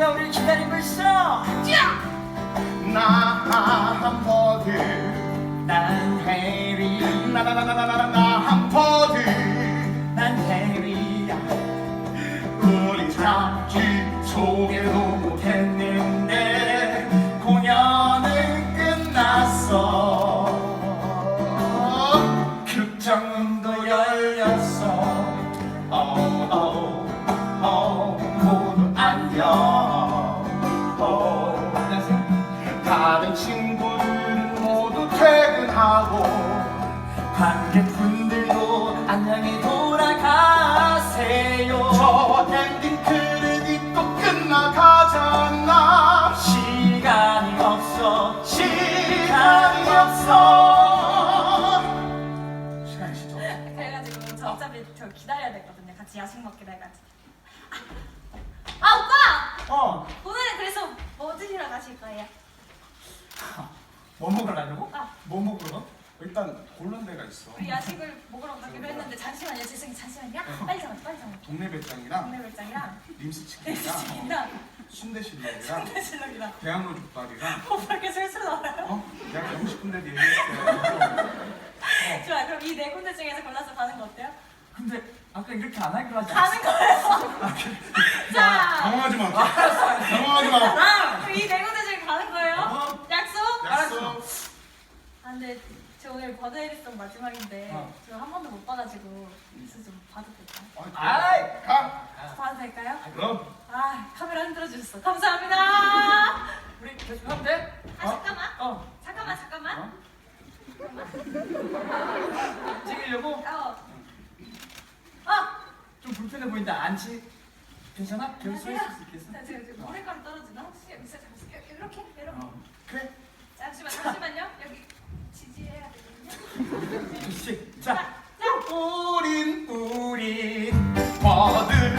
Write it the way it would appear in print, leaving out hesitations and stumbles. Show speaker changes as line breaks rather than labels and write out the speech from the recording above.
누가 우리를 기다리고 있어.
나 함버드
난 해리.
나 함버드
난 해리야.
우리 잡지 소개도
못했는데 공연은 끝났어. 극장문도 열렸어. 모두 안녕. 안녕하세요.
다른 친구들은 모두 퇴근하고
관객분들도 안녕히 돌아가세요.
저 엔딩 크레딧도 끝나가잖아.
시간이 없어.
시간이 없어. 시간이 진짜 없어.
그래가지고 저 어차피 저 기다려야 되거든요. 같이 야식 먹기로 해가지고. 아 오빠! 오늘은 그래서 뭐 드시러 가실 거예요?
뭐 먹으려고?
아.
뭐 먹으러?
일단 고른 데가 있어.
우리 야식을 먹으러 가기로 했는데 잠시만요. 죄송해요. 잠시만요. 빨리 잡아. 빨리 잡아.
동네 배짱이랑
동네 별장이랑
림스 치킨이랑
치킨이랑
순대 실력이랑
대실력이랑
대학로 족발이랑
오빠 이렇게 슬슬 나와요?
내가 가고 싶은 데도 얘기했어요.
좋아요. 그럼 이 네 군데 중에서 골라서 가는 거 어때요?
근데 아까 이렇게 안 하기로 하지
가는 거예요. 자,
당황하지 마. 당황하지 마.
그럼 이 네 군데 중에 가는 거예요? 약속?
약속.
아 근데 저 오늘 버드 해리송 마지막인데
어.
저 한 번도 못 봐가지고 그래서 좀 봐도 될까요?
아이!
가.
봐도 될까요?
그럼.
아 카메라 흔들어 주셨어. 감사합니다.
우리 계속 하면 돼?
아 잠깐만.
어.
잠깐만.
찍으려고?
어.
좀 불편해 보인다. 앉지? 괜찮아? 계속 서 있을 수 있겠어?
자, 지금 머리카락 떨어지나? 혹시 여기서 이렇게?
그래.
잠시만요. 여기 지지해야 되거든요.
그렇지. 자,
자.
우린
우리
버드